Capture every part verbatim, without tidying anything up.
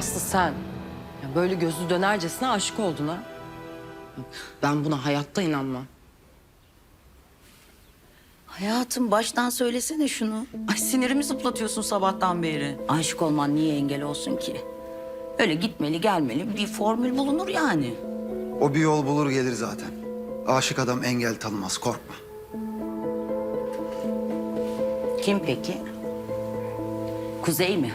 Aslı sen ya böyle gözü dönercesine aşık oldun ha. Ben buna hayatta inanmam. Hayatım baştan söylesene şunu. Ay sinirimi zıplatıyorsun sabahtan beri. Aşık olman niye engel olsun ki? Öyle gitmeli gelmeli bir formül bulunur yani. O bir yol bulur gelir zaten. Aşık adam engel tanımaz, korkma. Kim peki? Kuzey mi?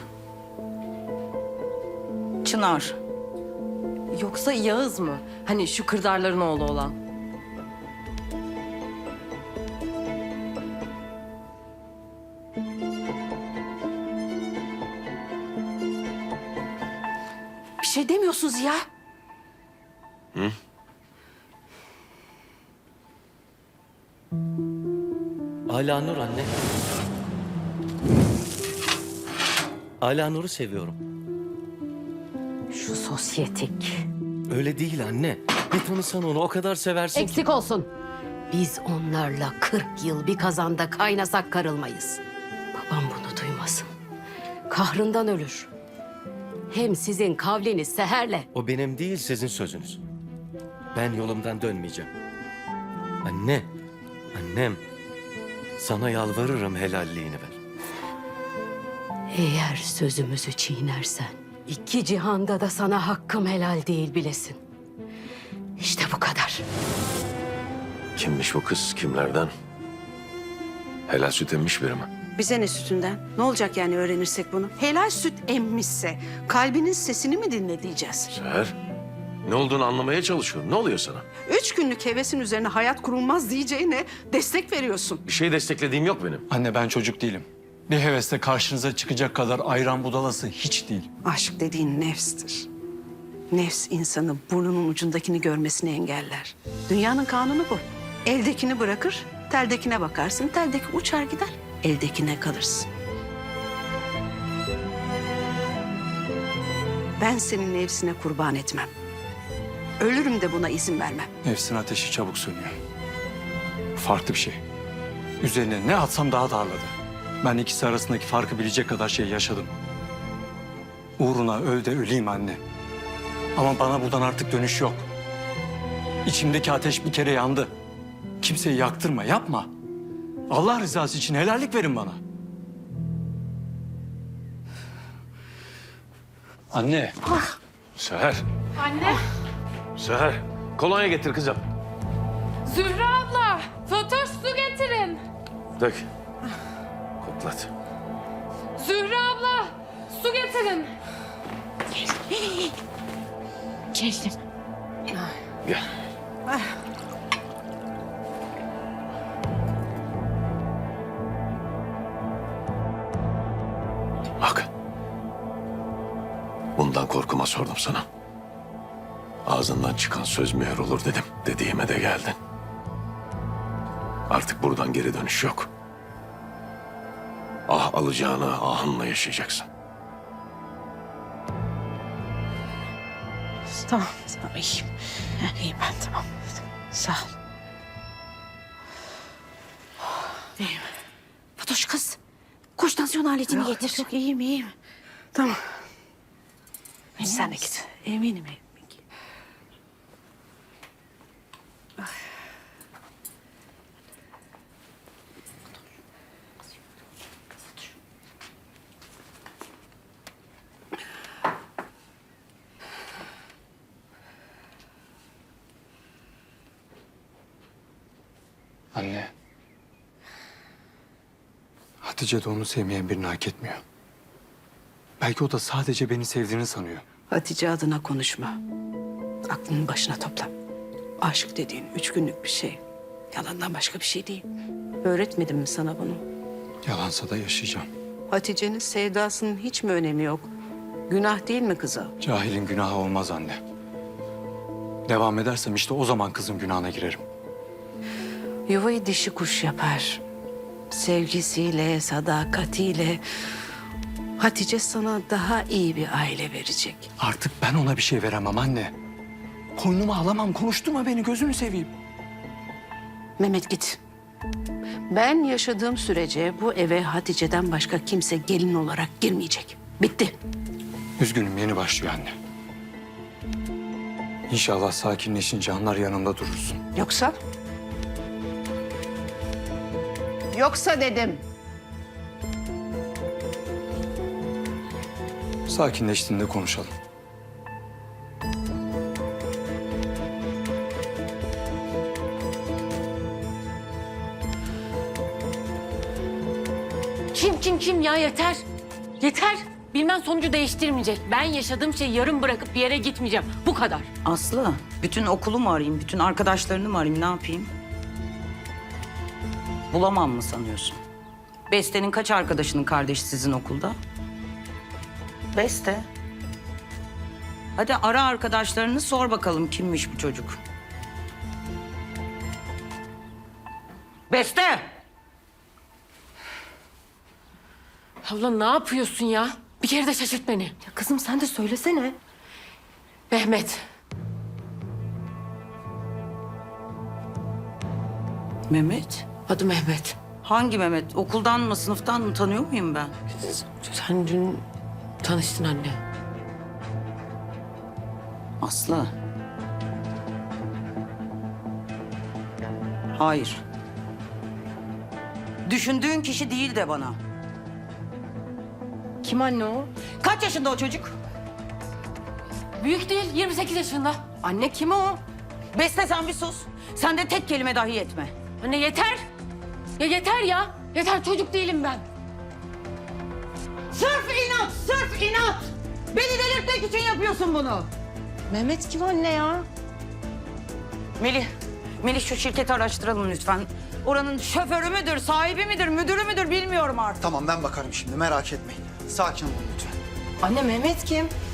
Çınar. Yoksa Yağız mı? Hani şu kırdarların oğlu olan. Bir şey demiyorsunuz ya. Hı? Ala Nur anne. Ala Nur'u seviyorum. Şu sosyetik. Öyle değil anne. Bir tanısan onu o kadar seversin ki. Eksik olsun. Biz onlarla kırk yıl bir kazanda kaynasak karılmayız. Babam bunu duymasın. Kahrından ölür. Hem sizin kavliniz seherle. O benim değil sizin sözünüz. Ben yolumdan dönmeyeceğim. Anne, annem. Sana yalvarırım helalliğini ver. Eğer sözümüzü çiğnersen iki cihanda da sana hakkım helal değil bilesin. İşte bu kadar. Kimmiş bu kız, kimlerden? Helal süt emmiş biri mi? Bize ne sütünden? Ne olacak yani öğrenirsek bunu? Helal süt emmişse kalbinin sesini mi dinle diyeceğiz? Seher, ne olduğunu anlamaya çalışıyorum. Ne oluyor sana? Üç günlük hevesin üzerine hayat kurulmaz diyeceğine destek veriyorsun. Bir şey desteklediğim yok benim. Anne ben çocuk değilim. Bir heveste karşınıza çıkacak kadar ayran budalası hiç değil. Aşk dediğin nefstir. Nefs insanı burnunun ucundakini görmesini engeller. Dünyanın kanunu bu. Eldekini bırakır, teldekine bakarsın. Teldeki uçar gider, eldekine kalırsın. Ben senin nefsine kurban etmem. Ölürüm de buna izin vermem. Nefsin ateşi çabuk sönüyor. Farklı bir şey. Üzerine ne atsam daha darladı. Ben ikisi arasındaki farkı bilecek kadar şey yaşadım. Uğruna öl de öleyim anne. Ama bana buradan artık dönüş yok. İçimdeki ateş bir kere yandı. Kimseyi yaktırma, yapma. Allah rızası için helallik verin bana. Anne. Seher. Anne. Seher, kolonya getir kızım. Zühre abla, Fatoş su getirin. Dök. Koklat. Zühre abla, su getirin. Geldim. Gel. Bak. Bundan korkuma sordum sana. Ağzından çıkan söz mühür olur dedim. Dediğime de geldin. Artık buradan geri dönüş yok. Ah alacağını ahınla yaşayacaksın. Tamam, tamam iyiyim. İyiyim ben tamam. Sağ ol. İyiyim. Fatoş kız. Koş tansiyon aletini Yok, getir. yok iyiyim iyiyim. Tamam. Sen de git. Eminim eminim. Anne. Hatice de onu sevmeyen birini hak etmiyor. Belki o da sadece beni sevdiğini sanıyor. Hatice adına konuşma. Aklının başına topla. Aşk dediğin üç günlük bir şey. Yalandan başka bir şey değil. Öğretmedim mi sana bunu? Yalansa da yaşayacağım. Hatice'nin sevdasının hiç mi önemi yok? Günah değil mi kıza? Cahilin günahı olmaz anne. Devam edersem işte o zaman kızın günahına girerim. Yuvayı dişi kuş yapar. Sevgisiyle, sadakatiyle Hatice sana daha iyi bir aile verecek. Artık ben ona bir şey veremem anne. Koynuma alamam, konuşturma beni, gözünü seveyim. Mehmet git. Ben yaşadığım sürece bu eve Hatice'den başka kimse gelin olarak girmeyecek. Bitti. Üzgünüm, yeni başlıyor anne. İnşallah sakinleşince anlar yanımda durursun. Yoksa? Yoksa dedim. Sakinleştiğinde konuşalım. Kim kim kim ya yeter. Yeter. Bilmem sonucu değiştirmeyecek. Ben yaşadığım şeyi yarım bırakıp bir yere gitmeyeceğim. Bu kadar. Aslı, bütün okulu mu arayayım, bütün arkadaşlarını mı arayayım, ne yapayım? Bulamam mı sanıyorsun? Beste'nin kaç arkadaşının kardeşi sizin okulda? Beste. Hadi ara arkadaşlarını, sor bakalım kimmiş bu çocuk. Beste! Abla ne yapıyorsun ya? Bir kere de şaşırt beni. Ya kızım sen de söylesene. Mehmet. Mehmet? Adı Mehmet. Hangi Mehmet? Okuldan mı, sınıftan mı, tanıyor muyum ben? Sen dün tanıştın anne. Aslı. Hayır. Düşündüğün kişi değil de bana. Kim anne o? Kaç yaşında o çocuk? Büyük değil, yirmi sekiz yaşında. Anne kim o? Beste sen bir sus. Sen de tek kelime dahi etme. Anne yeter. Ya yeter ya. Yeter, çocuk değilim ben. Sırf inat, sırf inat. Beni delirtmek için yapıyorsun bunu. Mehmet kim anne ya? Melih, Melih şu şirketi araştıralım lütfen. Oranın şoförü müdür, sahibi midir, müdürü müdür bilmiyorum artık. Tamam ben bakarım şimdi merak etmeyin. Sakin olun lütfen. Anne Mehmet kim?